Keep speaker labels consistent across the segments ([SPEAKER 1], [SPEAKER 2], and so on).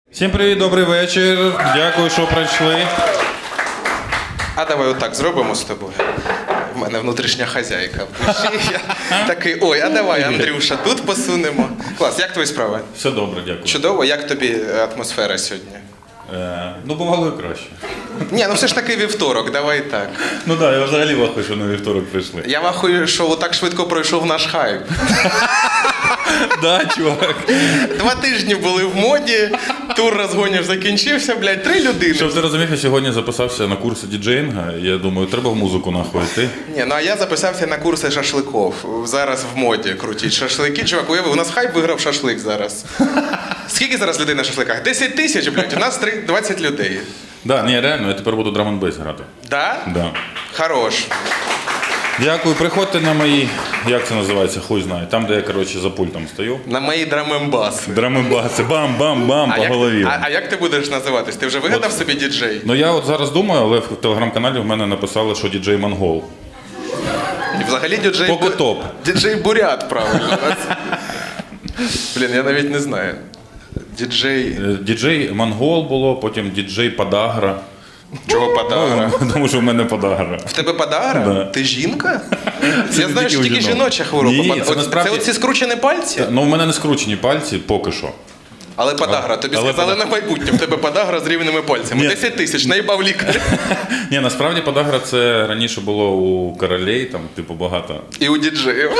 [SPEAKER 1] Всім привіт, добрий вечір. Дякую, що прийшли.
[SPEAKER 2] А давай отак зробимо з тобою. В мене внутрішня хазяйка. Я такий, ой, а давай, Андрюша, тут посунемо. Клас, як твої справи?
[SPEAKER 1] Все добре, дякую.
[SPEAKER 2] Чудово, як тобі атмосфера сьогодні?
[SPEAKER 1] Ну, бувало і краще.
[SPEAKER 2] Ні, ну все ж таки вівторок, давай так.
[SPEAKER 1] Ну так, я взагалі вахую, що на вівторок прийшли.
[SPEAKER 2] Я вахую, що так швидко пройшов наш хайп.
[SPEAKER 1] Да, чувак.
[SPEAKER 2] 2 тижні були в моді, тур розгонів закінчився, блядь, 3 людини.
[SPEAKER 1] Щоб ти розумів, я сьогодні записався на курси діджеїнга. Я думаю, треба в музику нахуй йти.
[SPEAKER 2] Ні, ну а я записався на курси шашликов. Зараз в моді крутіть шашлики. Чувак, уяви, у нас хайп виграв шашлик зараз. Скільки зараз людей на шашликах? 10 тисяч, блядь, у нас 20 людей.
[SPEAKER 1] Да, ні, реально, я тепер буду драм-н-бейс грати.
[SPEAKER 2] Да?
[SPEAKER 1] Да.
[SPEAKER 2] Хорош.
[SPEAKER 1] Дякую, приходьте на мої, як це називається, хуй знає. Там, де я, коротше, за пультом стою.
[SPEAKER 2] На мої драм-н-баси.
[SPEAKER 1] Драм-н-баси, бам-бам-бам по голові.
[SPEAKER 2] А як ти будеш називатись? Ти вже вигадав собі діджей?
[SPEAKER 1] Ну я от зараз думаю, але в телеграм-каналі в мене написали, що діджей Монгол.
[SPEAKER 2] І взагалі діджей...
[SPEAKER 1] Поки топ.
[SPEAKER 2] Діджей Бурят, правильно. Блін, я навіть не знаю. Діджей...
[SPEAKER 1] Діджей Монгол було, потім діджей Подагра.
[SPEAKER 2] Чого подагра?
[SPEAKER 1] Тому що в мене подагра.
[SPEAKER 2] В тебе подагра?
[SPEAKER 1] Да.
[SPEAKER 2] Ти жінка?
[SPEAKER 1] Це
[SPEAKER 2] Я
[SPEAKER 1] не
[SPEAKER 2] знаю, що
[SPEAKER 1] тільки у
[SPEAKER 2] тільки
[SPEAKER 1] жінок.
[SPEAKER 2] жіноча хвороба.
[SPEAKER 1] Ні, це насправді-
[SPEAKER 2] Це оці скручені пальці?
[SPEAKER 1] Ну, в мене не скручені пальці поки що.
[SPEAKER 2] Але подагра, тобі
[SPEAKER 1] Але
[SPEAKER 2] сказали на майбутнє, в тебе подагра з рівними пальцями.
[SPEAKER 1] Ні.
[SPEAKER 2] 10 тисяч, наїбав лікар.
[SPEAKER 1] Ні, насправді подагра це раніше було у королей, там, типу, багато.
[SPEAKER 2] І у діджеїв.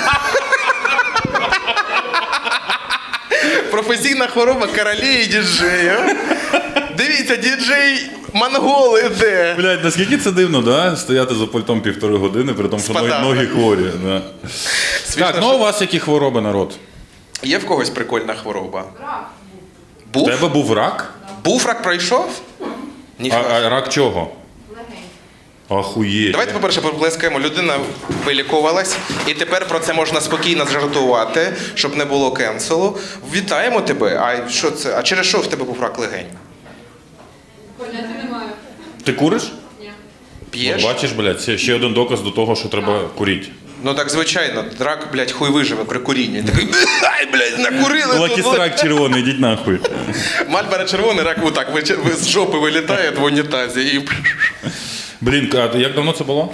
[SPEAKER 2] Професійна хвороба королей і діджеїв. Дивіться, діджей Монгол іде.
[SPEAKER 1] Блядь, наскільки це дивно, да? Стояти за пультом 1,5 години, при тому, що
[SPEAKER 2] подагрою.
[SPEAKER 1] ноги хворі. Да.
[SPEAKER 2] Смішно,
[SPEAKER 1] Так, ну
[SPEAKER 2] що-
[SPEAKER 1] у вас які хвороби, народ?
[SPEAKER 2] Є в когось прикольна хвороба?
[SPEAKER 3] Рак
[SPEAKER 1] У
[SPEAKER 2] Був?
[SPEAKER 1] тебе був рак?
[SPEAKER 2] Був рак пройшов? Ніхто.
[SPEAKER 1] А рак чого?
[SPEAKER 3] легень.
[SPEAKER 1] Ахуєть.
[SPEAKER 2] Давайте, по-перше, поплескаємо. Людина вилікувалась, і тепер про це можна спокійно зжартувати, щоб не було кенселу. Вітаємо тебе. А що це? А через що в тебе був рак легень?
[SPEAKER 3] Поняття немає.
[SPEAKER 1] Ти куриш?
[SPEAKER 3] Ні.
[SPEAKER 2] П'єш?
[SPEAKER 1] От бачиш, блядь, це ще один доказ до того, що треба курити.
[SPEAKER 2] Ну так звичайно, рак, блядь, хуй виживе при курінні. Такий, ай, блядь, накурили тут.
[SPEAKER 1] Лакістрак червоний, йдіть нахуй.
[SPEAKER 2] Мальборо червоний, рак отак з жопи вилітає в унітазі і...
[SPEAKER 1] Блін, а як давно це було?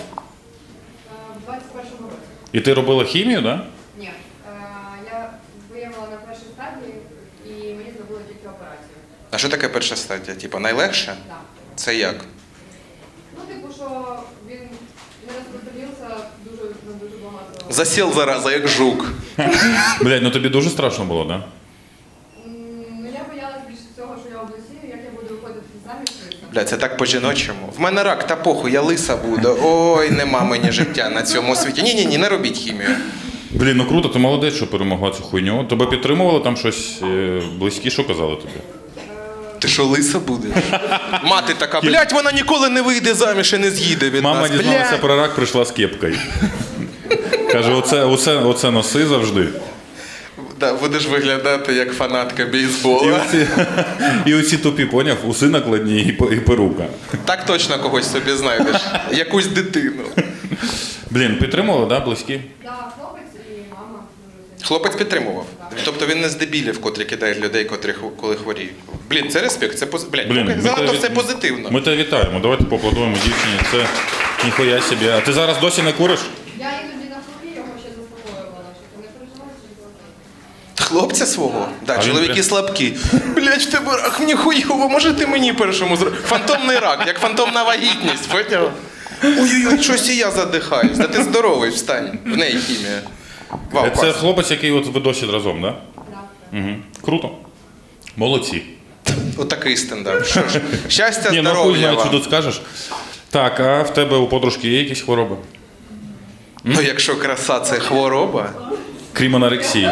[SPEAKER 3] В 21-му році.
[SPEAKER 1] І ти робила хімію, так? Да?
[SPEAKER 3] Ні. Я виявила на першій стадії і мені зробили тільки операцію.
[SPEAKER 2] А що таке перша стадія? Типа найлегше?
[SPEAKER 3] Так.
[SPEAKER 2] Це як?
[SPEAKER 3] Ну, типу, що він не розпространився на дуже багато.
[SPEAKER 2] Засіл зараза, як жук.
[SPEAKER 1] Блядь, ну тобі дуже страшно було, так? Да?
[SPEAKER 3] Ну, я боялась більше всього, що я облесію, як я буду виходити заміж швидко.
[SPEAKER 2] Бля, це так по-жіночому. В мене рак, та похуй, я лиса буду. Ой, нема мені життя на цьому світі. Ні, не робіть хімію.
[SPEAKER 1] Блін, ну круто, ти молодець, що перемогла цю хуйню. Тебе підтримували там щось близькі, що казали тобі?
[SPEAKER 2] Ти що, лиса будеш? Мати така, блядь, вона ніколи не вийде заміж і не з'їде від
[SPEAKER 1] Мама
[SPEAKER 2] нас.
[SPEAKER 1] дізналася
[SPEAKER 2] Блядь.
[SPEAKER 1] про рак, прийшла з кепкою. Каже, оце носи завжди.
[SPEAKER 2] Да, будеш виглядати як фанатка
[SPEAKER 1] І
[SPEAKER 2] бейсбола.
[SPEAKER 1] оці тупі, поняв, уси накладні і перука.
[SPEAKER 2] Так точно когось собі знайдеш. Якусь дитину.
[SPEAKER 1] Блін, підтримували, да, близькі?
[SPEAKER 3] Так, хлопець і мама дуже сильно.
[SPEAKER 2] Хлопець підтримував. Тобто він не з дебілів, котрі кидають людей, котрі коли хворіють. Блін, це респект, це блядь,
[SPEAKER 1] Блін,
[SPEAKER 2] занадто
[SPEAKER 1] тебе
[SPEAKER 2] все
[SPEAKER 1] від-
[SPEAKER 2] позитивно.
[SPEAKER 1] Ми тебе вітаємо, давайте поаплодуємо дівчині. Це ніхуя собі. А ти зараз досі не куриш?
[SPEAKER 3] Я іноді на хворі його ще заспокоювала, що ти не переживаєш, що ти
[SPEAKER 2] Хлопця свого? Да,
[SPEAKER 1] А він
[SPEAKER 2] чоловіки
[SPEAKER 1] прям-
[SPEAKER 2] слабкі. Блядь, в тебе рак, мені хуйово, може ти мені першому зробити? Фантомний рак, як фантомна вагітність, поняв? Ой-ой-ой, щось і я задихаюсь. Та ти здоровий, встань. В неї хімія. Вау,
[SPEAKER 1] Це
[SPEAKER 2] клас.
[SPEAKER 1] хлопець, який от ви досі разом, да?
[SPEAKER 3] Так.
[SPEAKER 1] Угу. Круто. Молодці.
[SPEAKER 2] Отакий стендап. Що ж, щастя,
[SPEAKER 1] Ні, ну хуй
[SPEAKER 2] здоров'я
[SPEAKER 1] знає, що
[SPEAKER 2] вам.
[SPEAKER 1] тут скажеш. Так, а в тебе у подружки є якісь хвороби?
[SPEAKER 2] Ну, якщо краса це хвороба.
[SPEAKER 1] Крім анорексії.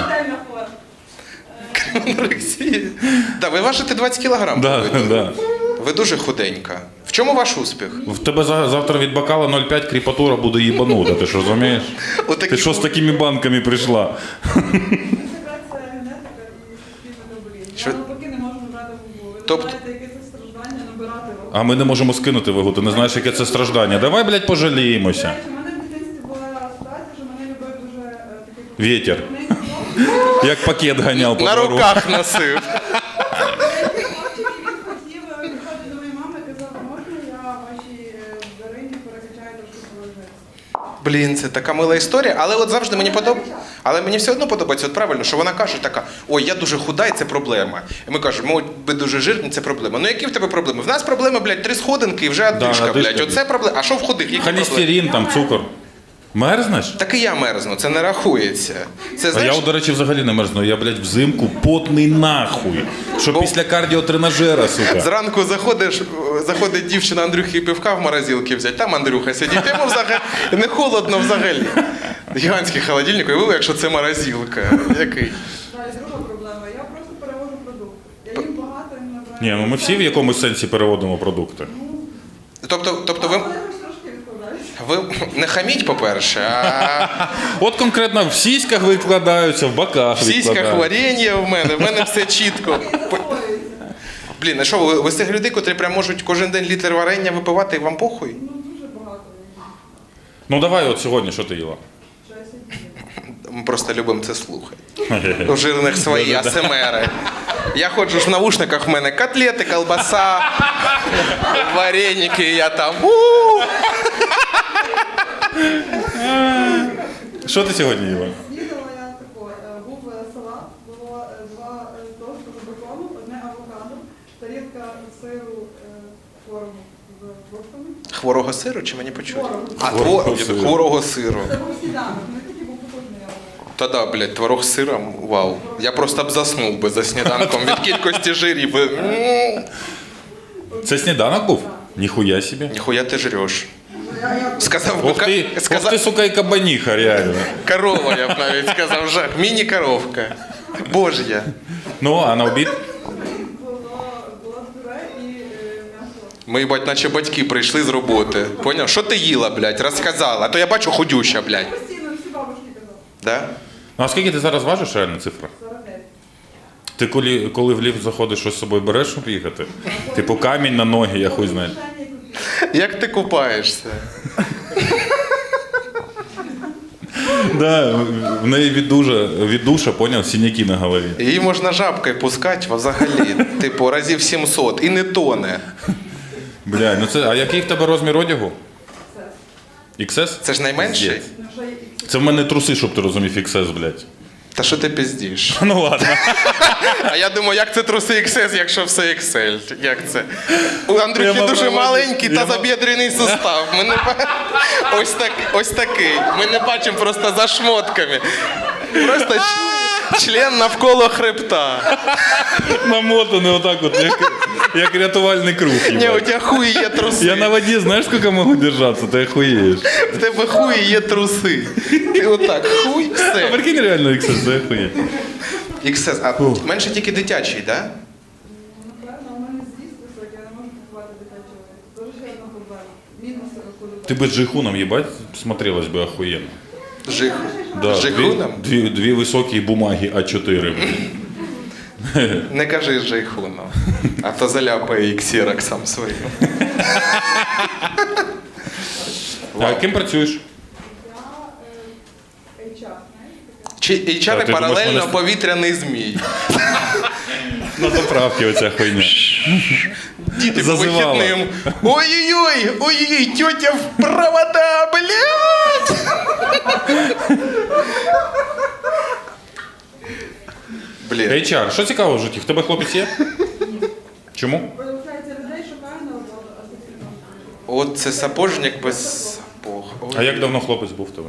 [SPEAKER 2] Анорексія. Так, ви важите 20 кілограм.
[SPEAKER 1] Да, да.
[SPEAKER 2] Ви дуже худенька. В чому ваш успіх?
[SPEAKER 1] В тебе завтра від бокала 0,5 кріпатура буде їбанута, ти що розумієш?
[SPEAKER 2] Отакі
[SPEAKER 1] Ти що з такими банками прийшла?
[SPEAKER 4] Це генетика і метаболізм.
[SPEAKER 2] Що?
[SPEAKER 4] Я навпаки не можу набрати вагу. Ви
[SPEAKER 2] Тобто-
[SPEAKER 4] знаєте, яке це страждання набирати вагу.
[SPEAKER 1] А ми не можемо скинути вагу, ти не знаєш, яке це страждання. Давай, блядь, пожаліємося.
[SPEAKER 4] До речі, у мене в дитинстві була ситуація, що мене любив дуже такий
[SPEAKER 1] Вітер.
[SPEAKER 4] крупний хлопець.
[SPEAKER 1] Як пакет ганяв по
[SPEAKER 2] На
[SPEAKER 1] двору.
[SPEAKER 2] руках носив. Блін, це така мила історія, але от завжди мені подобається. Але мені все одно подобається, от правильно, що вона каже така: ой, я дуже худа, і це проблема. І ми кажемо, ви дуже жирні, це проблема. Ну які в тебе проблеми? В нас проблема, блядь, 3 сходинки і вже одишка,
[SPEAKER 1] одишка,
[SPEAKER 2] блядь. Оце проблема. А що в худих? Які проблеми?
[SPEAKER 1] Холестерин, там, цукор. Мерзнеш?
[SPEAKER 2] Так і я мерзну, це не рахується. Це,
[SPEAKER 1] А
[SPEAKER 2] знаєш,
[SPEAKER 1] я, до речі, взагалі не мерзну. Я, блядь, взимку потний нахуй. Що після кардіотренажера, сука.
[SPEAKER 2] зранку заходить дівчина Андрюхи пивка в морозилці взяти, там Андрюха сидить, йому взагалі не холодно взагалі. Гігантський холодильник, і ви, якщо це морозилка. Який?
[SPEAKER 4] Да, і друга проблема. Я просто перевожу продукт. Я їм багато, їм набираю.
[SPEAKER 1] Ні, ну ми всі в якомусь сенсі переводимо продукти.
[SPEAKER 2] Тобто ви,
[SPEAKER 4] Але якось трошки відкладаюся.
[SPEAKER 2] ви не хаміть, по-перше, а
[SPEAKER 1] От конкретно в сіськах викладаються, в боках
[SPEAKER 2] в сіськах
[SPEAKER 1] викладаються.
[SPEAKER 2] варення в мене все чітко. Блін, а що, ви з тих людей, котрі прям можуть кожен день літр варення випивати і вам похуй?
[SPEAKER 4] Ну, дуже багато.
[SPEAKER 1] Ну давай от сьогодні, що ти їла?
[SPEAKER 4] Що я сьогодні.
[SPEAKER 2] Ми просто любимо це слухати. У жирних свої АСМРи. Я ходжу ж в навушниках, в мене котлети, колбаса, вареники, і я там.
[SPEAKER 1] Що ти сьогодні їла?
[SPEAKER 4] Снідала я тако, був салат, було 2 тости з бекону, одне авокадо, тарілка сиру творогу з фруктами.
[SPEAKER 2] Хворого сиру чи мені почути?
[SPEAKER 4] Творогу.
[SPEAKER 2] А,
[SPEAKER 1] Хворого сиру.
[SPEAKER 2] хворого сиру.
[SPEAKER 4] Це був сніданок, не такий був потужний, але...
[SPEAKER 2] Та да, блядь, творог з сиром, вау. Я просто б заснув би за сніданком від кількості жирів.
[SPEAKER 1] Це сніданок був? Ніхуя собі.
[SPEAKER 2] Ніхуя ти жреш.
[SPEAKER 4] Я
[SPEAKER 2] Сказав би,
[SPEAKER 1] Ох ти, сука, і кабаніха, реально.
[SPEAKER 2] корова, я б навіть сказав, вже. Міні-коровка. Божя.
[SPEAKER 1] Ну, а на обід?
[SPEAKER 4] була пюре і м'ясо.
[SPEAKER 2] Ми, їбать, наче батьки прийшли з роботи. Поняв? Що ти їла, блядь? Розказала. А то я бачу худюща, блядь.
[SPEAKER 4] Постійно всі бабушки казали.
[SPEAKER 2] Да?
[SPEAKER 1] Ну, а скільки ти зараз важиш, реально цифра?
[SPEAKER 4] 49.
[SPEAKER 1] Ти коли в ліфт заходиш, щось з собою береш, щоб їхати? Типу камінь на ноги, я хуй знаю.
[SPEAKER 2] Як ти купаєшся?
[SPEAKER 1] Да, в неї від душа, поняв, синяки на голові.
[SPEAKER 2] Її можна жабкою пускати взагалі, типу, разів 700, і не тоне.
[SPEAKER 1] Бля, ну це, а який в тебе розмір одягу? XS?
[SPEAKER 2] Це ж найменший?
[SPEAKER 1] Пиздець.
[SPEAKER 4] Ну, вже і
[SPEAKER 1] Це в мене труси, щоб ти розумів, XS, блядь.
[SPEAKER 2] Та що ти пиздиш?
[SPEAKER 1] Ну ладно.
[SPEAKER 2] А я думаю, як це труси XS, якщо все XL? Як це? У Андрюхи
[SPEAKER 1] Я
[SPEAKER 2] дуже
[SPEAKER 1] мав-
[SPEAKER 2] маленький
[SPEAKER 1] я мав-
[SPEAKER 2] тазобідрений сустав. Ми не ось такий. Ми не бачимо просто за шмотками. Просто член навколо хребта.
[SPEAKER 1] Намотаний отак от, як рятувальний круг.
[SPEAKER 2] Ні, у
[SPEAKER 1] їбать.
[SPEAKER 2] тебе хуй є труси.
[SPEAKER 1] Я на воді, знаєш, скільки можу держатися, ти охуєєш.
[SPEAKER 2] В тебе хуй є труси. Ти отак, хуй,
[SPEAKER 1] А
[SPEAKER 2] все.
[SPEAKER 1] прикинь реально XS, ти охуєш.
[SPEAKER 2] XS, а менше тільки дитячий, так? Да?
[SPEAKER 4] напевно, у мене з'їзд високий, я не можу купувати дитячого. Дуже ще одна проблема. Мінус куди.
[SPEAKER 1] Ты бы с Джейхуном, ебать, смотрелась бы охуенно.
[SPEAKER 2] Жих.
[SPEAKER 1] Да,
[SPEAKER 2] Жихуном?
[SPEAKER 1] две высокие бумаги А4. блин.
[SPEAKER 2] Не кажи Жейхуном, а то заляпає і ксероксом своїм.
[SPEAKER 1] А ким працюєш?
[SPEAKER 4] Я HR, знаєш? таке?
[SPEAKER 2] Чи
[SPEAKER 1] Та,
[SPEAKER 2] HR
[SPEAKER 1] ти думаєш,
[SPEAKER 2] паралельно
[SPEAKER 1] мене-
[SPEAKER 2] повітряний змій.
[SPEAKER 1] На заправке оця хуйня.
[SPEAKER 2] Діти по
[SPEAKER 1] Зазивала.
[SPEAKER 2] вихідним. Ой-ой-ой, ой-ой, тьотя в провода, блядь! Блін.
[SPEAKER 1] HR, що цікаво в житті? В тебе хлопець є? Чому?
[SPEAKER 4] Виявляється, людей шукає на роботу, а суспільно.
[SPEAKER 2] От це сапожник без сапог. Ой.
[SPEAKER 1] А як давно хлопець був в тебе?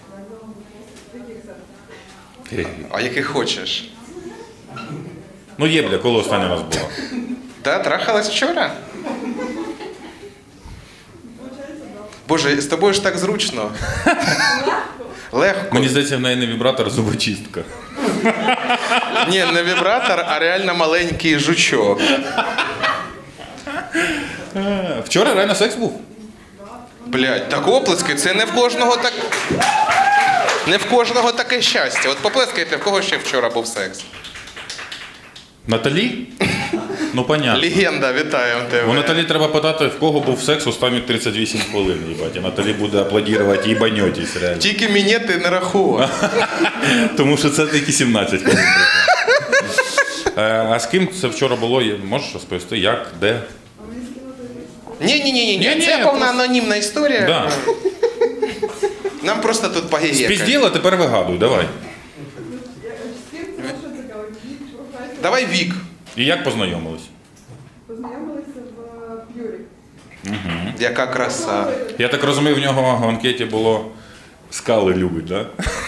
[SPEAKER 2] А який хочеш?
[SPEAKER 1] Ну є, бля, коли останній раз була.
[SPEAKER 2] Да, трахалась вчора? Боже, з тобою ж так зручно. Легко.
[SPEAKER 1] Мені здається, в неї не вібратор, а зубочистка.
[SPEAKER 2] Ні, не вібратор, а реально маленький жучок.
[SPEAKER 1] Вчора реально секс був?
[SPEAKER 2] Блядь, так оплески, це не в кожного так. Не в кожного таке щастя. От поплескайте, в кого ще вчора був секс.
[SPEAKER 1] Наталі? Ну, понятно.
[SPEAKER 2] Легенда, вітаємо тебе.
[SPEAKER 1] У Наталі треба питати, в кого був секс останні 38 хвилин, їбать. І Наталі буде аплодувати, їбаньотісь, реально.
[SPEAKER 2] Тільки мені ти не рахував.
[SPEAKER 1] Тому що це тільки 17 хвилин. А з ким це вчора було? Можеш розповісти? Як? Де?
[SPEAKER 4] А мені скинули лист.
[SPEAKER 2] Ні,
[SPEAKER 1] Ні-ні,
[SPEAKER 2] це повна
[SPEAKER 1] просто-
[SPEAKER 2] анонімна історія.
[SPEAKER 1] Да.
[SPEAKER 2] Нам просто тут погієкать.
[SPEAKER 1] Спізділа, тепер вигадуй, давай.
[SPEAKER 4] З ким це що цікаво? Вік, професія.
[SPEAKER 2] Давай вік.
[SPEAKER 1] І як познайомились?
[SPEAKER 4] Познайомилися в П'юрі.
[SPEAKER 2] Яка краса.
[SPEAKER 1] Я так розумію, в нього в анкеті було скали любить, так?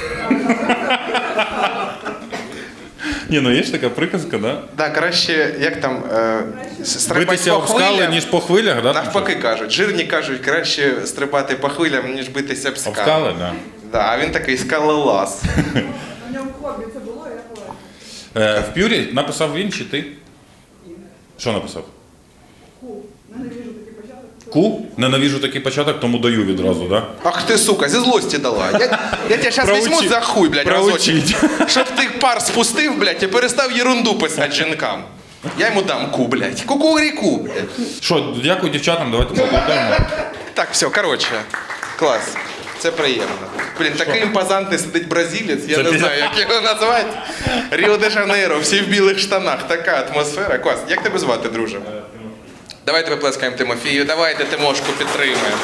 [SPEAKER 1] Ні, ну є ж така приказка, да?
[SPEAKER 2] Да, краще, як там, стрибати
[SPEAKER 1] Битися
[SPEAKER 2] по
[SPEAKER 1] об скали,
[SPEAKER 2] хвилям.
[SPEAKER 1] ніж по хвилях, да?
[SPEAKER 2] Навпаки кажуть, жирні кажуть, краще стрибати по хвилям, ніж битися об
[SPEAKER 1] Об
[SPEAKER 2] скали.
[SPEAKER 1] скали, так. Да.
[SPEAKER 2] Да, а він такий скалолаз.
[SPEAKER 4] У ньому хобі це було, я була.
[SPEAKER 1] В П'юрі написав він чи ти? Що написав?
[SPEAKER 4] Ку. Ненавижу такий початок.
[SPEAKER 1] Ку? Ненавижу такий початок, тому даю відразу, так? Да?
[SPEAKER 2] Ах ти, сука, зі злості дала. Я тебе зараз
[SPEAKER 1] Проучи.
[SPEAKER 2] візьму за хуй, блядь,
[SPEAKER 1] Проучить.
[SPEAKER 2] разочек. Щоб ти пар спустив, блядь, і перестав єрунду писати жінкам. Я йому дам ку, блядь. Кукуріку, блядь.
[SPEAKER 1] Що, дякую дівчатам, давайте поаплодуємо.
[SPEAKER 2] Так, все, коротше. Клас. Це приємно. Блін, такий імпозантний сидить бразилець, я
[SPEAKER 1] Це
[SPEAKER 2] не
[SPEAKER 1] ти-
[SPEAKER 2] знаю, як його назвати. Ріо-де-Жанейро, всі в білих штанах, така атмосфера. Клас. Як тебе звати, друже? Давайте виплескаємо Тимофію, давайте Тимошку підтримаємо.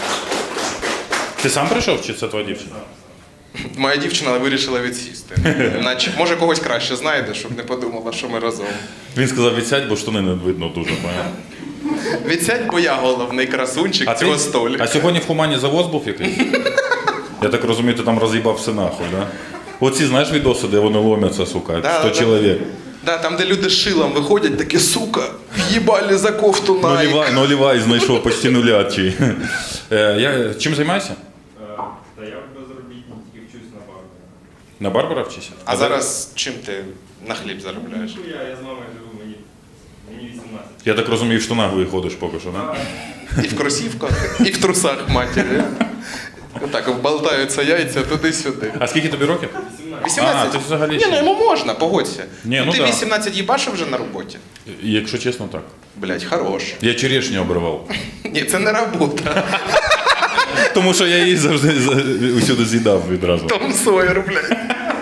[SPEAKER 1] Ти сам прийшов чи це твоя дівчина?
[SPEAKER 2] Моя дівчина вирішила відсісти. Наче, може когось краще знайде, щоб не подумала, що ми разом.
[SPEAKER 1] Він сказав, відсядь, бо штани не видно дуже. Поняв?
[SPEAKER 2] Відсядь, бо я головний красунчик цього столі.
[SPEAKER 1] А сьогодні в Хумані завоз був якийсь? Я так розумію, ти там роз'їбав все нахуй, да? Оці, знаєш, відоси, де вони ломяться, сука, 100 чоловік.
[SPEAKER 2] Да, там, де люди з шилом виходять, такі, сука, в'їбали за кофту Nike.
[SPEAKER 1] Нолівай знайшов, почти нулячий. Чим займаєшся?
[SPEAKER 5] Та я безробітний, тільки вчусь на барбера.
[SPEAKER 1] На барбара вчишся?
[SPEAKER 2] А зараз чим ти на хліб заробляєш?
[SPEAKER 5] Ну, я з мамою живу, мені 18.
[SPEAKER 1] Я так розумію, в штанах виходиш поки що, да?
[SPEAKER 2] І в кросівках, і в трусах матері. Отак болтаються яйця туди-сюди.
[SPEAKER 1] А скільки тобі років?
[SPEAKER 2] 18?
[SPEAKER 1] А, ти взагалі
[SPEAKER 2] Ні,
[SPEAKER 1] ще.
[SPEAKER 2] ну йому можна, погодься.
[SPEAKER 1] Ні, ну
[SPEAKER 2] ти
[SPEAKER 1] да.
[SPEAKER 2] 18 їбашив вже на роботі?
[SPEAKER 1] Якщо чесно, так.
[SPEAKER 2] Блять, хорош.
[SPEAKER 1] Я черешню обривав.
[SPEAKER 2] Ні, це не робота.
[SPEAKER 1] Тому що я її завжди усюди з'їдав відразу.
[SPEAKER 2] Том Сойер, блядь.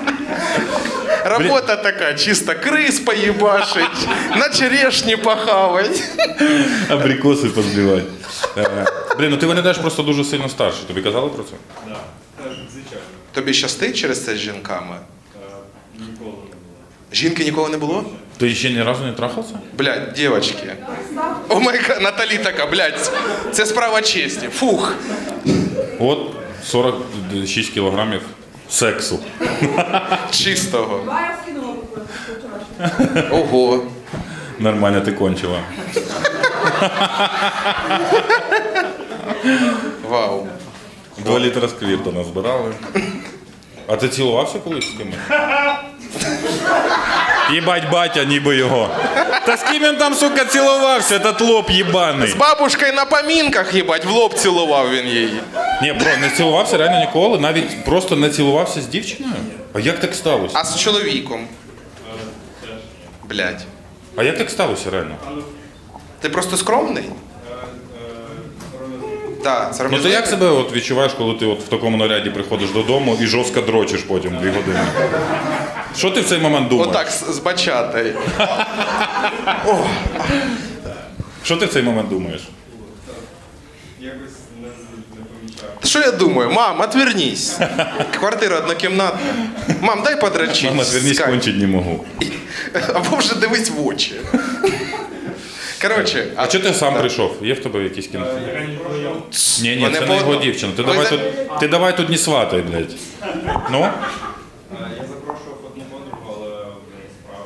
[SPEAKER 2] Работа така, чисто крис поїбашить, на черешні похавать.
[SPEAKER 1] Абрикоси позбивати. Блін, ну ти виглядаєш просто дуже сильно старше. Тобі казали про це?
[SPEAKER 5] Да, звичайно.
[SPEAKER 2] Тобі щастить через це з жінками?
[SPEAKER 5] Ніколи не було.
[SPEAKER 2] Жінки ніколи не було?
[SPEAKER 1] Ти ще ні разу не трахався?
[SPEAKER 2] Блядь, дівчатки. О май гад, Наталі така, блядь, це справа честі. Фух.
[SPEAKER 1] От 46 кілограмів сексу.
[SPEAKER 2] Чистого.
[SPEAKER 4] Два я скинула вчорашнього.
[SPEAKER 2] Ого.
[SPEAKER 1] Нормально ти кончила.
[SPEAKER 2] Вау.
[SPEAKER 1] 2 літра сквірта назбирали. А ти цілувався колись з кимось? Їбать батя, ніби його. Та з ким він там, сука, цілувався, этот лоб їбаний.
[SPEAKER 2] З бабушкою на помінках, їбать, в лоб цілував він її.
[SPEAKER 1] Ні, бро, не цілувався реально ніколи, навіть просто не цілувався з дівчиною? А як так сталося?
[SPEAKER 2] А з чоловіком? Блядь.
[SPEAKER 1] А як так сталося реально?
[SPEAKER 2] Ти просто скромний? Так,
[SPEAKER 1] Ну
[SPEAKER 2] сором'язливий.
[SPEAKER 1] ти як себе от відчуваєш, коли ти от в такому наряді приходиш додому і жорстко дрочиш потім 2 години? Що ти в цей момент думаєш?
[SPEAKER 2] Отак, з бачатою.
[SPEAKER 1] Що ти в цей момент думаєш?
[SPEAKER 5] Якось не помічав.
[SPEAKER 2] Що я думаю? Мам, отвернись. Квартира однокімнатна. Мам, дай подрочить.
[SPEAKER 1] Мама, звернись,
[SPEAKER 2] Скай.
[SPEAKER 1] кончить не можу.
[SPEAKER 2] Або вже дивись в очі. Коротше,
[SPEAKER 1] А чого ти сам прийшов? Є в тебе якісь кіно?
[SPEAKER 5] Яка ніколи я...
[SPEAKER 1] Ні,
[SPEAKER 2] Вони
[SPEAKER 1] це
[SPEAKER 2] по
[SPEAKER 1] не його
[SPEAKER 2] одному.
[SPEAKER 1] дівчина.
[SPEAKER 2] Ви
[SPEAKER 1] Ти давай тут не сватай, блядь. Ну?
[SPEAKER 5] Я запрошував одну подругу, але в неї справи.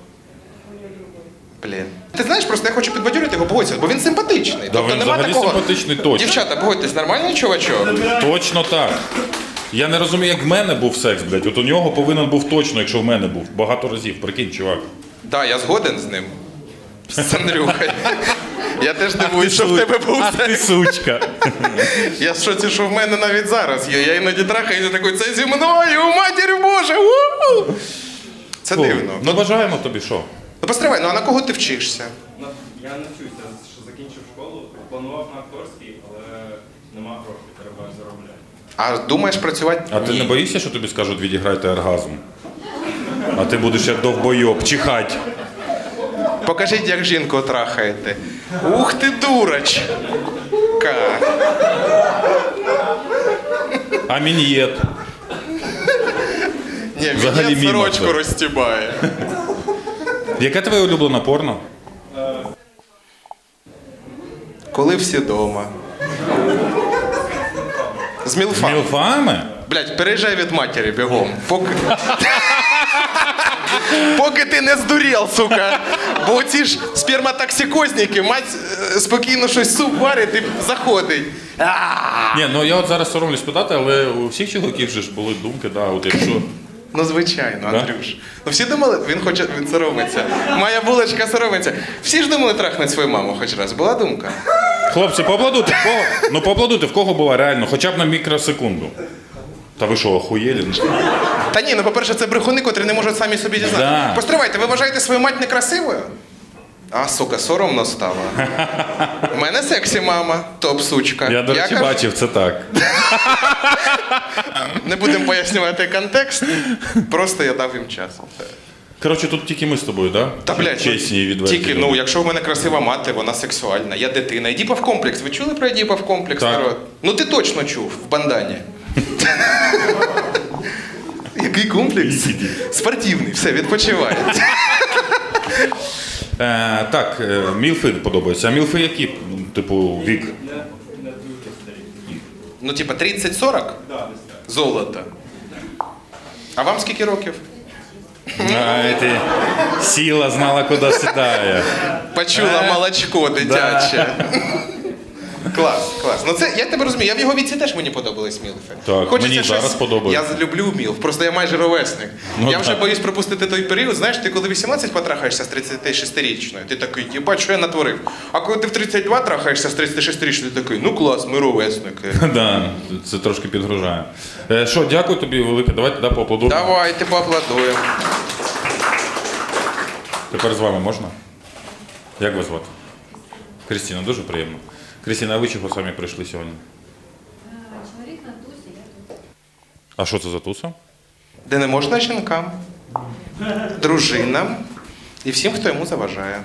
[SPEAKER 2] блін. Ти знаєш, просто я хочу підбадьорити його, погодься, бо він симпатичний.
[SPEAKER 1] Да, він взагалі симпатичний, точно.
[SPEAKER 2] Дівчата, погодьтесь, нормальний чувачок?
[SPEAKER 1] Точно так. Я не розумію, як в мене був секс, блядь. От у нього повинен був точно, якщо в мене був. Багато разів, прикинь, чувак.
[SPEAKER 2] Так, я згоден з ним. З Андрюхою. Я теж дивуюсь, що в тебе був
[SPEAKER 1] Ах ти
[SPEAKER 2] секс.
[SPEAKER 1] сучка.
[SPEAKER 2] Я в шоці, що в мене навіть зараз є. Я іноді трахаюся такий, це зі мною, матір Боже! У-у! Це дивно.
[SPEAKER 1] Ну бажаємо тобі що?
[SPEAKER 2] Ну постривай, ну а на кого ти вчишся?
[SPEAKER 5] Я не вчуся, що закінчив школу, планував на акторський, але нема грошей, треба заробляти.
[SPEAKER 2] А думаєш працювати?
[SPEAKER 1] А ти
[SPEAKER 2] Ні.
[SPEAKER 1] не боїшся, що тобі скажуть відіграйте оргазм? А ти будеш як довбойоб, чихать.
[SPEAKER 2] Покажіть, як жінку трахаєте. Ух ти, дурочка!
[SPEAKER 1] А мін'єт?
[SPEAKER 2] Ні,
[SPEAKER 1] Взагалі
[SPEAKER 2] він
[SPEAKER 1] мімо
[SPEAKER 2] сорочку
[SPEAKER 1] це.
[SPEAKER 2] розстібає.
[SPEAKER 1] Яке твоє улюблене порно?
[SPEAKER 2] Коли всі дома. З
[SPEAKER 1] З
[SPEAKER 2] мілфами.
[SPEAKER 1] мілфами?
[SPEAKER 2] Блять, переїжджай від матері бігом. Поки ти не здурів, сука. Бо ці ж сперматоксикозники, мать спокійно щось суп варить і заходить.
[SPEAKER 1] Ні, ну я от зараз соромлюсь питати, але у всіх чоловіків же ж були думки, да, от якщо...
[SPEAKER 2] Ну, звичайно,
[SPEAKER 1] Да?
[SPEAKER 2] Андрюш. Ну всі думали, він соромиться. Моя булочка соромиться. Всі ж думали трахнути свою маму хоч раз. Була думка?
[SPEAKER 1] Хлопці, поаплодуйте, в кого? Ну поаплодуйте, в кого була реально, хоча б на мікросекунду. Та ви що, охуєлі?
[SPEAKER 2] Та ні, ну по-перше, це брехуни, котрі не можуть самі собі дізнати.
[SPEAKER 1] Да.
[SPEAKER 2] Постривайте, ви вважаєте свою мать некрасивою? А, сука, соромно стало. У мене сексі мама, топ-сучка.
[SPEAKER 1] Я, до речі,
[SPEAKER 2] кажу,
[SPEAKER 1] бачив, це так.
[SPEAKER 2] Не будемо пояснювати контекст, просто я дав їм час.
[SPEAKER 1] Коротше, тут тільки ми з тобою, да?
[SPEAKER 2] Та, блядь,
[SPEAKER 1] Чесні і відверті.
[SPEAKER 2] тільки,
[SPEAKER 1] люди.
[SPEAKER 2] ну, якщо в мене красива мати, вона сексуальна, я дитина. Едіпов комплекс. Ви чули про Едіпов комплекс,
[SPEAKER 1] Так.
[SPEAKER 2] народ? Ну ти точно чув, в бандані. Який комплекс? Спортивний, все, відпочивай.
[SPEAKER 1] Так, мілфи подобаються. А мілфи які, типу, вік?
[SPEAKER 5] Не дуже старі.
[SPEAKER 2] Ну, типа 30-40?
[SPEAKER 5] Да, десь так.
[SPEAKER 2] Золото. А вам скільки років?
[SPEAKER 1] Ай, ти сіла, знала, куди сідає.
[SPEAKER 2] Почула молочко дитяче. Клас, клас. Ну це я тебе розумію. Я в його віці теж мені подобались мілфи.
[SPEAKER 1] Так, мені зараз подобається.
[SPEAKER 2] Я люблю мілф, просто я майже ровесник.
[SPEAKER 1] Ну,
[SPEAKER 2] я вже
[SPEAKER 1] так.
[SPEAKER 2] боюсь пропустити той період. Знаєш, ти коли 18 потрахаєшся з 36-річною, ти такий, їбать, що я натворив. А коли ти в 32 трахаєшся з 36-річною, ти такий, ну клас, ми ровесники.
[SPEAKER 1] Да, це трошки підгружає. Що, дякую тобі велике. Давайте поаплодуємо.
[SPEAKER 2] Давайте поаплодуємо.
[SPEAKER 1] Тепер з вами можна? Як вас звати? Крістіна, дуже приємно. Крістіна, а ви чого самі прийшли сьогодні?
[SPEAKER 3] Чоловік на тусі, я тут.
[SPEAKER 1] А що це за туса?
[SPEAKER 2] Де не можна жінкам, дружинам і всім, хто йому заважає.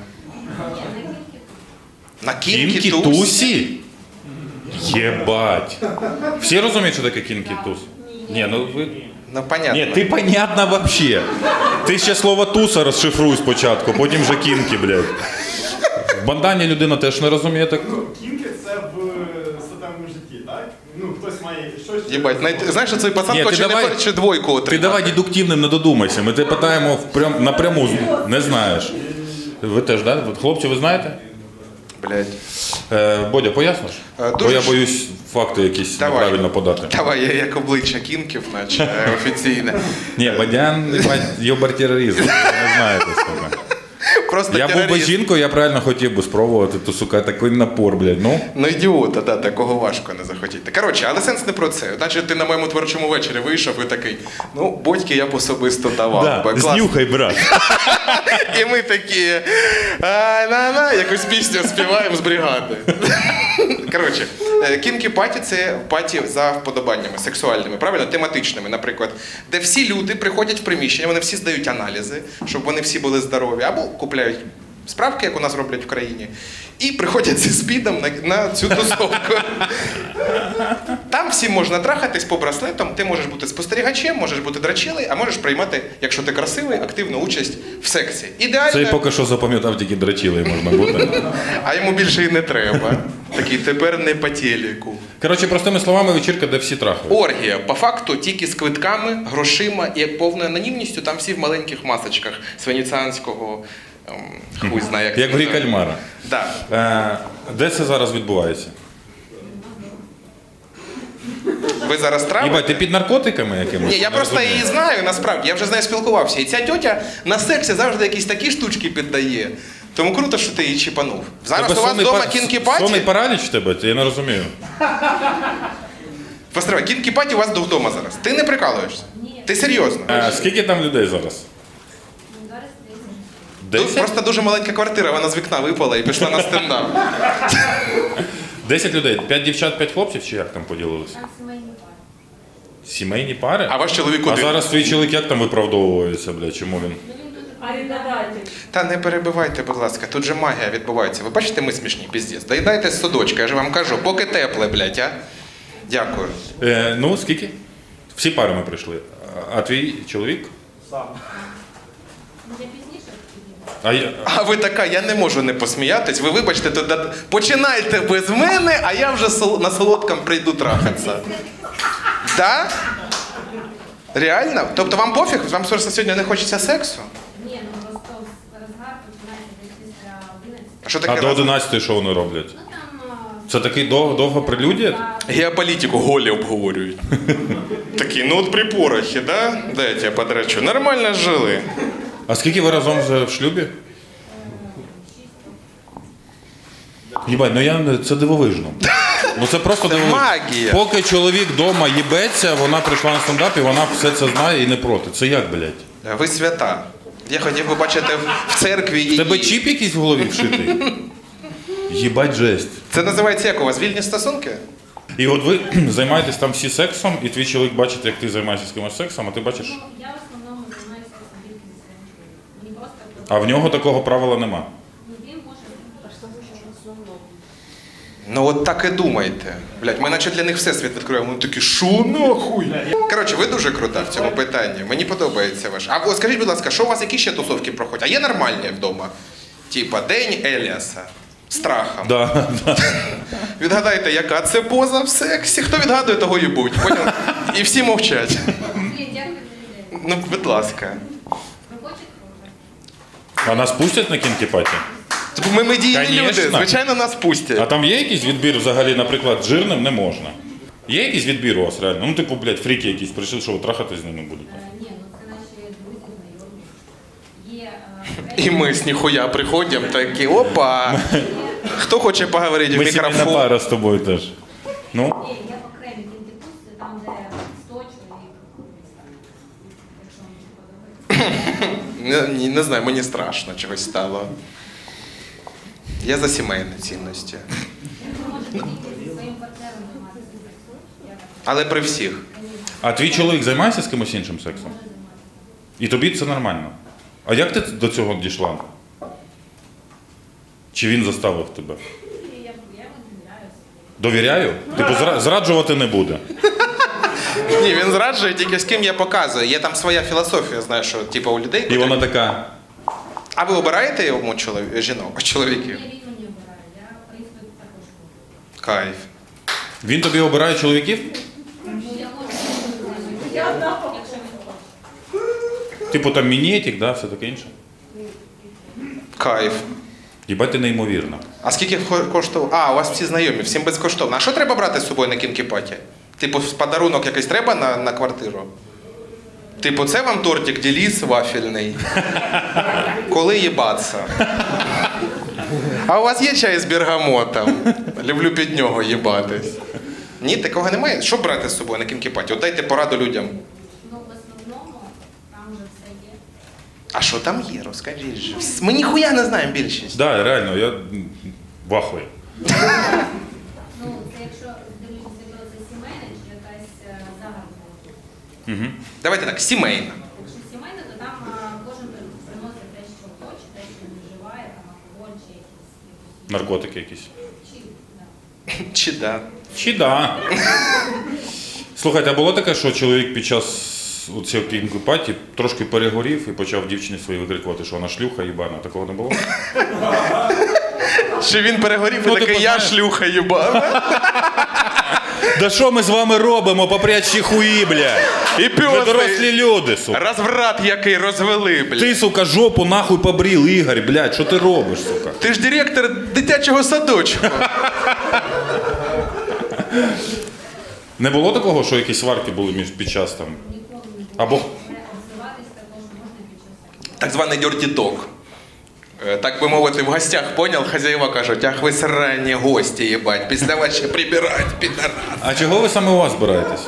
[SPEAKER 2] На кінкі тусь.
[SPEAKER 1] Тусі? Єбать. Всі розуміють, що таке кінкі тус? Ні, ну ви...
[SPEAKER 2] Ну, понятно.
[SPEAKER 1] Ні, ти понятно вообще. Ти ще слово туса розшифруй спочатку, потім вже кінки, блядь. В бандані людина теж не розуміє так.
[SPEAKER 6] Кінки це в статевому житті, так? Ну, хтось має щось.
[SPEAKER 2] Єбать, знаєш, що цей пацан
[SPEAKER 1] Ні, ти
[SPEAKER 2] хоче
[SPEAKER 1] давай-
[SPEAKER 2] не хоче двойку
[SPEAKER 1] Ти
[SPEAKER 2] отримати.
[SPEAKER 1] давай дедуктивним не додумайся, ми тебе питаємо напряму, не знаєш. Ви теж, так? Да? Хлопці, ви знаєте?
[SPEAKER 2] Блядь.
[SPEAKER 1] Бодя, поясниш? Бо
[SPEAKER 2] дуже
[SPEAKER 1] я
[SPEAKER 2] ж-
[SPEAKER 1] боюсь факти якісь
[SPEAKER 2] Давай.
[SPEAKER 1] неправильно подати.
[SPEAKER 2] Давай, я як обличчя кінків, наче офіційне.
[SPEAKER 1] Ні, Бодян, йобар тероризм, ви не знаєте, сука.
[SPEAKER 2] Просто
[SPEAKER 1] Я був би
[SPEAKER 2] терорист.
[SPEAKER 1] жінкою, я б реально хотів би спробувати, то, сука, такий напор, блядь, ну.
[SPEAKER 2] Ну, ідіота, да, такого важко не захотіти. Коротше, але сенс не про це. Значить, ти на моєму творчому вечорі вийшов і такий, ну, Бодьки я б особисто давав. би. Клас.
[SPEAKER 1] знюхай, брат.
[SPEAKER 2] І ми такі, на якусь пісню співаємо з бригади. Коротше, кінкі паті це паті за вподобаннями сексуальними, правильно, тематичними, наприклад, де всі люди приходять в приміщення, вони всі здають аналізи, щоб вони всі були здорові, або купляють справки, як у нас роблять в країні, і приходять зі спідом на цю тусовку. Там всім можна трахатись по браслетам, ти можеш бути спостерігачем, можеш бути драчилою, а можеш приймати, якщо ти красивий, активну участь в сексі. Ідеально.
[SPEAKER 1] Це поки що запам'ятав, тільки драчілий можна бути.
[SPEAKER 2] А йому більше і не треба. Такий тепер не по телеку.
[SPEAKER 1] Коротше, простими словами, вечірка, де всі трахають.
[SPEAKER 2] Оргія, по факту, тільки з квитками, грошима і повною анонімністю, там всі в маленьких масочках з венеціанського, хуй знає, як
[SPEAKER 1] Як
[SPEAKER 2] це
[SPEAKER 1] в грі
[SPEAKER 2] називається.
[SPEAKER 1] кальмара.
[SPEAKER 2] Да.
[SPEAKER 1] Де це зараз відбувається?
[SPEAKER 2] Ви зараз травите?
[SPEAKER 1] Єбать, ти під наркотиками якимось?
[SPEAKER 2] Ні, я
[SPEAKER 1] Не
[SPEAKER 2] просто
[SPEAKER 1] розумію.
[SPEAKER 2] її знаю, насправді, я вже з нею спілкувався. І ця тьотя на сексі завжди якісь такі штучки піддає. Тому круто, що ти її чіпанув. Зараз
[SPEAKER 1] Тебе
[SPEAKER 2] у вас
[SPEAKER 1] сонний
[SPEAKER 2] вдома
[SPEAKER 1] пар-
[SPEAKER 2] кінкі-паті?
[SPEAKER 1] Сонний параліч в тебе? Я не розумію.
[SPEAKER 2] Постривай, кінкі-паті у вас вдома зараз. Ти не прикалуєшся?
[SPEAKER 3] Ні.
[SPEAKER 2] Ти серйозно?
[SPEAKER 1] Скільки там людей зараз?
[SPEAKER 3] Зараз 10.
[SPEAKER 2] Тут просто дуже маленька квартира, вона з вікна випала і пішла на стендап.
[SPEAKER 1] 10 людей. 5 дівчат, 5 хлопців, чи як там поділилися?
[SPEAKER 3] Там сімейні пари.
[SPEAKER 1] Сімейні пари?
[SPEAKER 2] А ваш чоловік
[SPEAKER 1] А
[SPEAKER 2] один?
[SPEAKER 1] зараз твій чоловік як там виправдовується, бля, чому він?
[SPEAKER 7] Арендодатель.
[SPEAKER 2] Та не перебивайте, будь ласка, тут же магія відбувається. Ви бачите, ми смішні, піздець. Доїдайте з судочка, я ж вам кажу, поки тепле, блядь, а? Дякую.
[SPEAKER 1] Ну, скільки? Всі пари ми прийшли. А твій чоловік?
[SPEAKER 7] Я пізніше підійду.
[SPEAKER 1] А я...
[SPEAKER 2] А ви така, я не можу не посміятись. Ви вибачте, то починайте без мене, а я вже на солодкому прийду трахатися. Так? Реально? Тобто вам пофіг? Вам просто сьогодні не хочеться сексу?
[SPEAKER 7] Ні, ну просто розгар починається десь після 11.
[SPEAKER 2] А що
[SPEAKER 1] А
[SPEAKER 2] таке?
[SPEAKER 1] до
[SPEAKER 2] раз?
[SPEAKER 1] 11 що вони роблять?
[SPEAKER 7] Ну там...
[SPEAKER 1] Це такий довга прелюдія?
[SPEAKER 2] Геополітику голі обговорюють. Такі, ну от при порохі, да? Дай я тебе подрачу. Нормально жили.
[SPEAKER 1] А скільки ви разом вже в шлюбі? Єбать, ну це дивовижно. Ну це просто
[SPEAKER 2] Це
[SPEAKER 1] дивовижно.
[SPEAKER 2] магія.
[SPEAKER 1] Поки чоловік вдома їбеться, вона прийшла на стендап і вона все це знає і не проти. Це як, блядь?
[SPEAKER 2] Ви свята. Я хотів би бачити в церкві її.
[SPEAKER 1] В тебе чіп якийсь в голові вшитий? Єбать жесть.
[SPEAKER 2] Це називається як у вас? Вільні стосунки?
[SPEAKER 1] І от ви займаєтесь там всі сексом, і твій чоловік бачить, як ти займаєшся з кимось сексом, а ти бачиш.
[SPEAKER 7] Ну, я в основному займаюся тільки зі своїм чоловіком. Мені просто...
[SPEAKER 1] А в нього такого правила нема.
[SPEAKER 7] Ну, він може... в основному.
[SPEAKER 2] Ну от так і думайте. Блять, ми наче для них всесвіт відкриваємо. Вони такі, шо нахуй? Коротше, ви дуже крута в цьому питанні. Мені подобається ваш. А от скажіть, будь ласка, що у вас які ще тусовки проходять? А є нормальні вдома? Типа День Еліаса. Страхом.
[SPEAKER 1] Да, да.
[SPEAKER 2] Відгадайте, яка це поза в сексі? Хто відгадує, того їбуть. Поняв? І всі мовчать.
[SPEAKER 7] Блін, дякую за ідею.
[SPEAKER 2] Ну, будь ласка.
[SPEAKER 7] Ви хочете вже?
[SPEAKER 1] А нас пустять на кінкі-паті?
[SPEAKER 2] Типу, ми медійні
[SPEAKER 1] Конечно.
[SPEAKER 2] люди, звичайно, нас пустять.
[SPEAKER 1] А там є якийсь відбір взагалі, наприклад, жирним не можна? Є якийсь відбір у вас реально? Ну, типу, блядь, фріки якісь прийшли, що ви трахати з ними будете?
[SPEAKER 7] Ні, ну це наші друзі, знайомі. Є...
[SPEAKER 2] І ми з ніхуя приходимо такі, опа. Хто хоче поговорити в
[SPEAKER 1] Ми сімейна
[SPEAKER 2] мікрофон?
[SPEAKER 1] пара з тобою теж. Ну,
[SPEAKER 7] Є окремі кінтипусти, там, де 100 чоловік. Якщо вам не подобається.
[SPEAKER 2] Не знаю, мені страшно чогось стало. Я за сімейні цінності.
[SPEAKER 7] Ви можете тільки зі своїм партнером займатися сексом. Я так
[SPEAKER 2] Але при всіх.
[SPEAKER 1] а твій чоловік займається з кимось іншим сексом? І тобі це нормально? А як ти до цього дійшла? Чи він заставив тебе?
[SPEAKER 7] я йому довіряюся.
[SPEAKER 1] Довіряю? Типу, зраджувати не буде.
[SPEAKER 2] Ні, він зраджує тільки з ким я показую. Є там своя філософія, знаєш, що типу у людей.
[SPEAKER 1] І вона така.
[SPEAKER 2] А ви обираєте йому жінок, чоловіків?
[SPEAKER 7] Ні, він мені обирає. Я, в принципі, також можу.
[SPEAKER 2] Кайф.
[SPEAKER 1] Він тобі обирає чоловіків?
[SPEAKER 7] Ну, я можу якщо він хоче.
[SPEAKER 1] Типу там мінетик, да, все таке інше.
[SPEAKER 2] Кайф.
[SPEAKER 1] Їбать, ти неймовірна.
[SPEAKER 2] А скільки коштував? А, у вас всі знайомі, всім безкоштовно. А що треба брати з собою на кінкі-паті? Типу, подарунок якийсь треба на квартиру? Типу, це вам тортик Деліс вафельний. Коли їбаться? А у вас є чай з бергамотом? Люблю під нього їбатись. Ні, такого немає. Що брати з собою на кінкі-паті? От дайте пораду людям.
[SPEAKER 7] Ну, в основному, там вже все є.
[SPEAKER 2] А що там є? Розкажіть же. Ми ніхуя не знаємо більшість.
[SPEAKER 1] Да, реально, я вахую.
[SPEAKER 7] Ну, це якщо дивлюся, це сімейне чи якась загальна.
[SPEAKER 1] Угу.
[SPEAKER 2] Давайте так, сімейна.
[SPEAKER 7] Якщо сімейне, то там кожен приносить те, що хоче, те, що не вживає, там алкоголь чи якісь
[SPEAKER 1] Наркотики якісь.
[SPEAKER 7] чи, да.
[SPEAKER 2] Чи да?
[SPEAKER 1] Чи да. Слухайте, а було таке, що чоловік під час цієї кінкі-паті трошки перегорів і почав дівчині своїй викрикувати, що вона шлюха їбана. Такого не було?
[SPEAKER 2] Чи він перегорів
[SPEAKER 1] Ну,
[SPEAKER 2] і такий,
[SPEAKER 1] типу,
[SPEAKER 2] я
[SPEAKER 1] знаєш.
[SPEAKER 2] шлюха їбана.
[SPEAKER 1] Да що ми з вами робимо, попрячі хуї, блядь?
[SPEAKER 2] І
[SPEAKER 1] Ви дорослі
[SPEAKER 2] пьосний
[SPEAKER 1] люди, сука.
[SPEAKER 2] розврат який розвели, блядь.
[SPEAKER 1] Ти, сука, жопу нахуй побрів, Ігор, блядь, що ти робиш, сука?
[SPEAKER 2] Ти ж директор дитячого садочку.
[SPEAKER 1] Не було такого, що якісь сварки були під час там?
[SPEAKER 7] Ніколи не було.
[SPEAKER 1] Або
[SPEAKER 7] Обзиватись також можна під час сексу.
[SPEAKER 2] Так званий dirty dog. Так би мовити, в гостях, поняв, хазяїва кажуть, ах ви срані гості, їбать, після вас ще прибирать, підарас.
[SPEAKER 1] а чого ви саме у вас збираєтесь?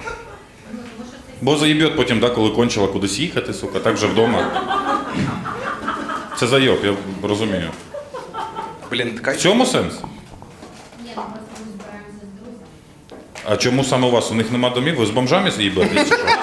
[SPEAKER 1] Бо заєбьот потім, да, коли кончила кудись їхати, сука, так вже вдома. Це зайоб, я розумію.
[SPEAKER 2] Блін,
[SPEAKER 1] В
[SPEAKER 2] така...
[SPEAKER 1] цьому сенс?
[SPEAKER 7] Ні, ну просто ми збираємося з друзями.
[SPEAKER 1] А чому саме у вас? У них нема домів? Ви з бомжами заїбетесь чи що?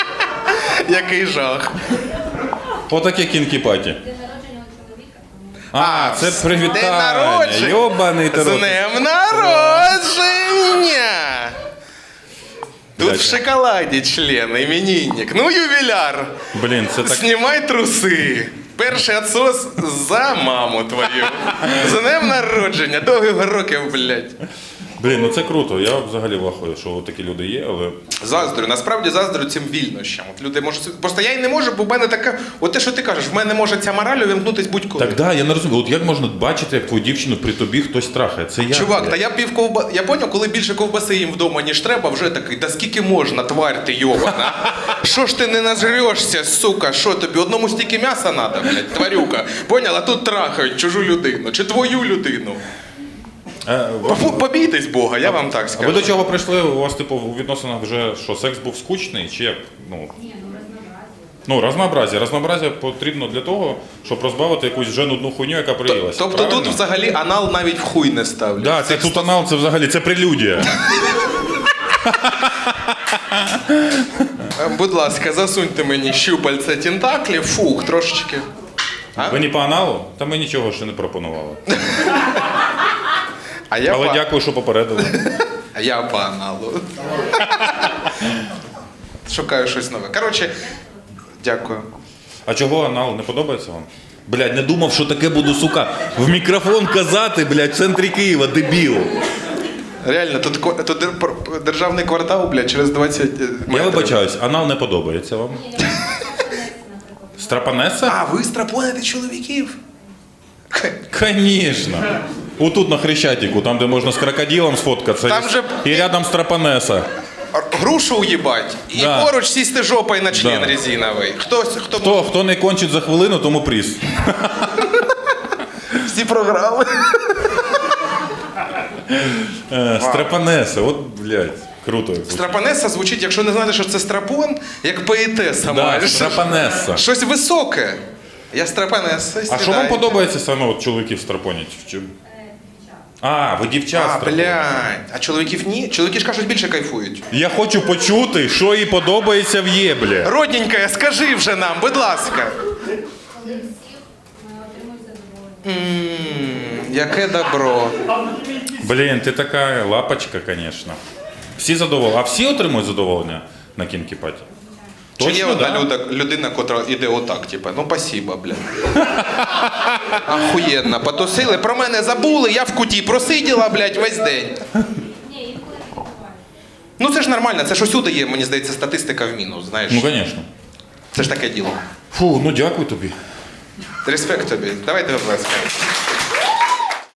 [SPEAKER 2] Який жах.
[SPEAKER 1] Отаке кінкі-паті.
[SPEAKER 7] День народження у чоловіка, тому...
[SPEAKER 1] А, це
[SPEAKER 2] День
[SPEAKER 1] привітання.
[SPEAKER 2] народження.
[SPEAKER 1] Йобаний ти
[SPEAKER 2] З
[SPEAKER 1] рот.
[SPEAKER 2] днем народження! Тут
[SPEAKER 1] Блядь.
[SPEAKER 2] в шоколаді член, іменинник. Ну, ювіляр.
[SPEAKER 1] Блін, це так.
[SPEAKER 2] Знімай труси. Перший отсос за маму твою. З днем народження. Довгих років, блядь.
[SPEAKER 1] Блін, ну це круто. Я взагалі вахую, що такі люди є, але.
[SPEAKER 2] Заздрю, насправді заздрю цим вільнощам. От люди можуть. Просто я й не можу, бо в мене така. От те, що ти кажеш, в мене може ця мораль увімкнутись будь-коли.
[SPEAKER 1] Так, да, я не розумію. От як можна бачити, як твою дівчину при тобі хтось трахає? Це я.
[SPEAKER 2] Чувак,
[SPEAKER 1] блядь.
[SPEAKER 2] та я пів ковба. Я поняв, коли більше ковбаси їм вдома, ніж треба, вже такий, да скільки можна, тварь ти йобана. Що ж ти не нажрешся, сука, що тобі? Одному стільки м'яса треба, блядь, тварюка. Поняла, а тут трахають чужу людину, чи твою людину. Побійтесь Бога, я вам так
[SPEAKER 1] А ви
[SPEAKER 2] скажу.
[SPEAKER 1] до чого прийшли? У вас, типу, у відносинах вже що, секс був скучний? Чи як? Ну,
[SPEAKER 7] Ні, ну разнообразие.
[SPEAKER 1] ну разнообразя. Разнообразя потрібно для того, щоб розбавити якусь вже нудну хуйню, яка приїлася.
[SPEAKER 2] Тобто
[SPEAKER 1] правильно?
[SPEAKER 2] тут взагалі анал навіть в хуй не ставлять.
[SPEAKER 1] Да, це тут анал, це взагалі це прелюдія.
[SPEAKER 2] Будь ласка, засуньте мені щупальця тентаклів, фух, трошечки. А?
[SPEAKER 1] Ви не по аналу? Та ми нічого ще не пропонували.
[SPEAKER 2] А я
[SPEAKER 1] Але
[SPEAKER 2] по...
[SPEAKER 1] дякую, що попередили.
[SPEAKER 2] А я по аналу. Шукаю щось нове. Коротше, дякую.
[SPEAKER 1] А чого анал не подобається вам? Блядь, не думав, що таке буду, сука, в мікрофон казати, блядь, в центрі Києва, дебіл.
[SPEAKER 2] Реально, тут державний квартал, блядь, через 20 метрів.
[SPEAKER 1] Я вибачаюсь, анал не подобається вам.
[SPEAKER 7] Ні, я наприклад.
[SPEAKER 1] Страпанеса?
[SPEAKER 2] А, ви страпоните чоловіків?
[SPEAKER 1] Конечно. Отут на Хрещатику, там, де можна з крокодилом сфоткатися.
[SPEAKER 2] Там же-
[SPEAKER 1] І рядом страпанеса.
[SPEAKER 2] Грушу уїбать і
[SPEAKER 1] Да.
[SPEAKER 2] поруч сісти жопою на член
[SPEAKER 1] Да.
[SPEAKER 2] резиновий. Хто
[SPEAKER 1] Хто не кончить за хвилину, тому приз.
[SPEAKER 2] всі програли?
[SPEAKER 1] Страпанеса, от, блядь, круто.
[SPEAKER 2] Страпонеса звучить, якщо не знаєте, що це страпон, як поетеса
[SPEAKER 1] Да,
[SPEAKER 2] майже.
[SPEAKER 1] страпанеса.
[SPEAKER 2] Щось високе. Я страпонеса.
[SPEAKER 1] А що вам подобається саме от чоловіків страпонять? В чим? А, ви дівчат
[SPEAKER 2] А,
[SPEAKER 1] страпонять.
[SPEAKER 2] блядь. А чоловіків ні? Чоловіки ж кажуть, більше кайфують.
[SPEAKER 1] Я хочу почути, що їй подобається в єблі.
[SPEAKER 2] Родненька, скажи вже нам, будь ласка.
[SPEAKER 7] Коли всіх отримують задоволення.
[SPEAKER 2] Яке добро.
[SPEAKER 1] Блін, ти така лапочка, звісно. Всі задоволені. А всі отримують задоволення на кінкі-паті?
[SPEAKER 2] Чи є
[SPEAKER 1] Точно,
[SPEAKER 2] одна
[SPEAKER 1] да?
[SPEAKER 2] людина, котра іде отак, типа, ну спасибо, блядь. Ахуєнно, потусили, про мене забули, я в куті просиділа, блядь, весь день.
[SPEAKER 7] Ні, інколи таке буває.
[SPEAKER 2] Ну це ж нормально, це ж усюди є, мені здається, статистика в мінус, знаєш.
[SPEAKER 1] Ну, звісно.
[SPEAKER 2] Це ж таке діло.
[SPEAKER 1] Фу, ну дякую тобі.
[SPEAKER 2] Респект тобі. Давайте виплескаємо.